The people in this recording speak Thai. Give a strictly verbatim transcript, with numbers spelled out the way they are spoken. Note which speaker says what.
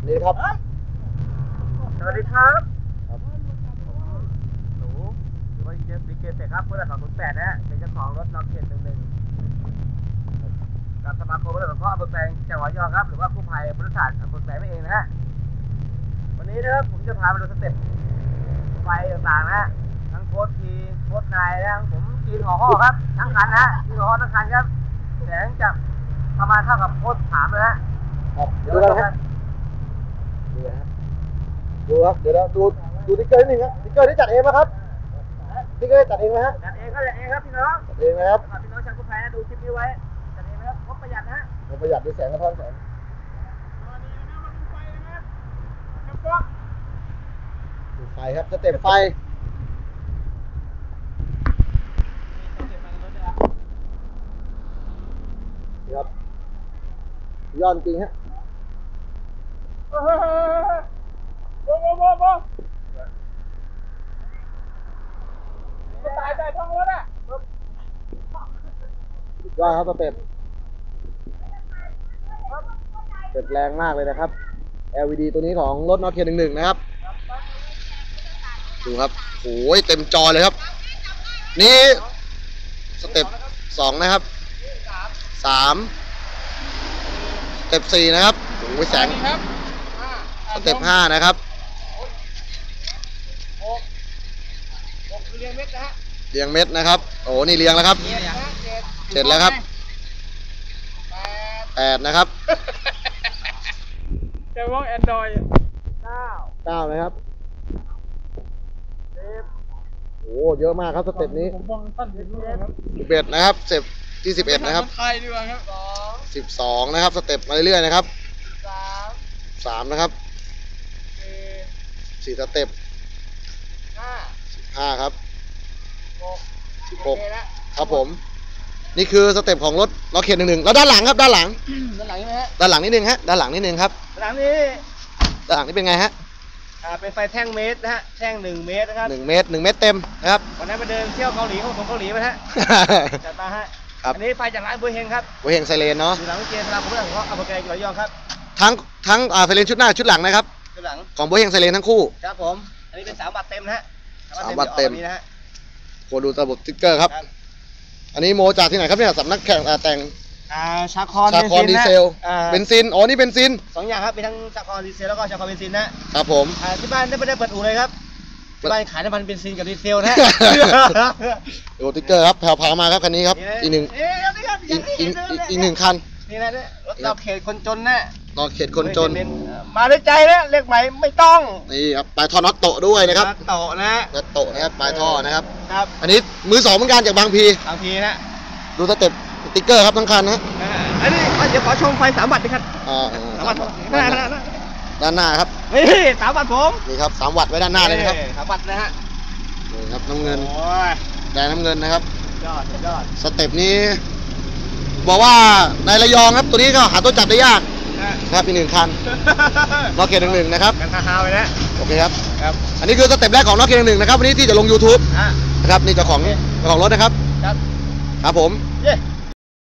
Speaker 1: นี่ครับ
Speaker 2: สวัสดีครับผมหนูหรือว่าเจสซีเกตครับเพื่อนสองศูนย์แปดนะฮะเป็นเจ้าของรถน็อกเก็ตหนึ่งหนึ่งกับสมาคมรถสงเคราะห์อำเภอแกลงจังหวัดระยองครับหรือว่ากู้ภัยบริษัทอำเภอแกลงนั่นเองนะฮะวันนี้นะครับผมจะพาไปดูสเต็ปไฟต่างๆนะฮะทั้งโค้ดทีโค้ดนายนะผมทีนห่อห่อครับทั้งคันนะฮะทีนห่อห่อทั้งคันครับแสงจากประมาณเท่ากับโค้ดถามเลยฮะ
Speaker 1: ดูกันครับดูนะดูครับเดี๋ยวเราดูดูติ๊กเกอร์นิดนึงครับติ๊กเกอร์ที่จัดเองไหมครับติ๊กเกอร์จัดเองไหมฮะ
Speaker 2: จัดเองครับจัดเองครับพี่น้อง
Speaker 1: จัดเองนะครับ
Speaker 2: พี่น้องชาวกู้ภัยนะดูคลิปนี้ไว้จัดเองนะครับงบประหยัดนะฮะ
Speaker 1: งบประหยัดด้วยแสงกระท้อนแสงดูไฟครับสเต็ปไฟครับยอดจริงฮะ
Speaker 2: โอ้โหโอ้โหโอ้โหตายตายท้องรถอ่ะ
Speaker 1: ยอดครับสเต็ปเต็ปแรงมากเลยนะครับ แอล อี ดี ตัวนี้ของรถน็อกเคนหนึ่งหนึ่งนะครับดูครับโอ้ยเต็มจอเลยครับนี่สเต็ปสองนะครับสามสเต็ปสี่นะครับโอ้ยแสงสเต็ปห้านะครับ
Speaker 2: เรียงเม็ดนะฮะ
Speaker 1: เรียงเม็ดนะครับโอ้นี่เรียงแล้วครับเสร็จแล้วครับแปดนะครับ
Speaker 2: จะมองแอนดรอยเก้า
Speaker 1: เก้านะครับโอ้เยอะมากครับสเต็ปนี้สิบเอ็ดนะครับสเต็ปที่สิบเอ็ดนะครับสิบสองนะครับสเต็ปมาเรื่อยๆนะครับสามนะครับสี่สเต็ปสิบห้าครับสิบหกครับผมนี่คือสเต็ปของรถล็อกเคนหนึ่งหนึ่งแล้วด้านหลังครับด้านหลัง
Speaker 2: ด้านหลังใช่ไหมฮะ
Speaker 1: ด้านหลังนิดนึงฮะด้านหลังนิดนึงครับ
Speaker 2: ด้านหลังนี้
Speaker 1: ด้านหลังนี่เป็นไงฮะ
Speaker 2: อ่าเป็นไฟแท่งเมตรนะฮะแท่งหนึ่งเมตรนะครับ
Speaker 1: หนึ่งเมตรหนึ่งเมตรเต็มนะครับ
Speaker 2: วันนั้นไปเดินเที่ยวเกาหลีของผมเกาหลีมาฮะจัดมาฮะอันนี้ไฟจากร้านบัวเฮงครับ
Speaker 1: บัวเฮงไซเรนเนาะ
Speaker 2: อยู่หลังวิเชียรสราผมเรื่องของอำเภอแกลงจังหวัดระยองครับ
Speaker 1: ทั้งทั้งอ่าไซเรนชุดหน้าชุดหลังนะครับ
Speaker 2: ชุดหลัง
Speaker 1: ของบัวเฮงไซเรนทั้งคู่
Speaker 2: ครับผมอันนี้เป็นสามวัตต์เต็มนะฮะ
Speaker 1: สามวัตต์เต็มนะฮะโคดูระบบสติ๊กเกอร์ครับอันนี้โมจากที่ไหนครับเนี่ยสำนักแข่งแต่ง
Speaker 2: อ่าชาคอน
Speaker 1: ชาคอนดีเซลเบนซินอ๋อนี่เบนซิน
Speaker 2: สองอย่างครับมีทั้งชาคอนดีเซลแล้วก็ชาคอนเบนซินนะครับ
Speaker 1: ผม
Speaker 2: อ่าที่บ้านไม่ได้เปิดอู่เลยครับที่บ้านขายน้ำมันเบนซินกับดีเซลนะ
Speaker 1: ดูสติ๊กเกอร์ครับแผ่วพามาครับคันนี้ครับอีกหนึ่งอีกอีกหนึ่งคัน
Speaker 2: นี่นะรถเราเขตคนจนนะ
Speaker 1: นอกเขตคนจน
Speaker 2: มาด้วยใจนะเรียกใหม่ไม่ต้อง
Speaker 1: นี่ครับปลายท่อน็อตโตด้วยนะครับ
Speaker 2: โตนะ
Speaker 1: น็อตโตนะครับปลายท่อนะครับ
Speaker 2: ครับ
Speaker 1: อันนี้มือสองเหมือนกันจากบางพี
Speaker 2: บางพีนะ
Speaker 1: ดูสเต็ปสติ๊กเกอร์ครับทั้งคันนะ
Speaker 2: อันนี้เดี๋ยวขอชมไฟสามวัตต์ดิครับ
Speaker 1: อ่า
Speaker 2: สามวัตต์หน้าหน้า
Speaker 1: ด้านหน้าครับ
Speaker 2: นี่สามวัตต์ผม
Speaker 1: นี่ครับสามวัตต์ไว้ด้านหน้าเลยนะครับ
Speaker 2: สามวัตต์นะฮะ
Speaker 1: นี่ครับน้ำเงินแดงน้ำเงินนะครับ
Speaker 2: ยอดยอด
Speaker 1: สเต็ปนี้บอกว่าในระยองครับตัวนี้ก็หาตัวจับได้ยากนะครับอีกหนึ่งคันล็อกเกตหนึ่งหนึ่งนะครับ
Speaker 2: กันฮาวเลยนะ
Speaker 1: โอเคครับครับอันนี้คือสเต็ปแรกของล็อกเกตหนึ่งหนึ่งนะครับวันนี้ที่จะลง ยูทูบ นะครับนี่เจ้าของเจ้าของรถนะครับครับครับผมเย้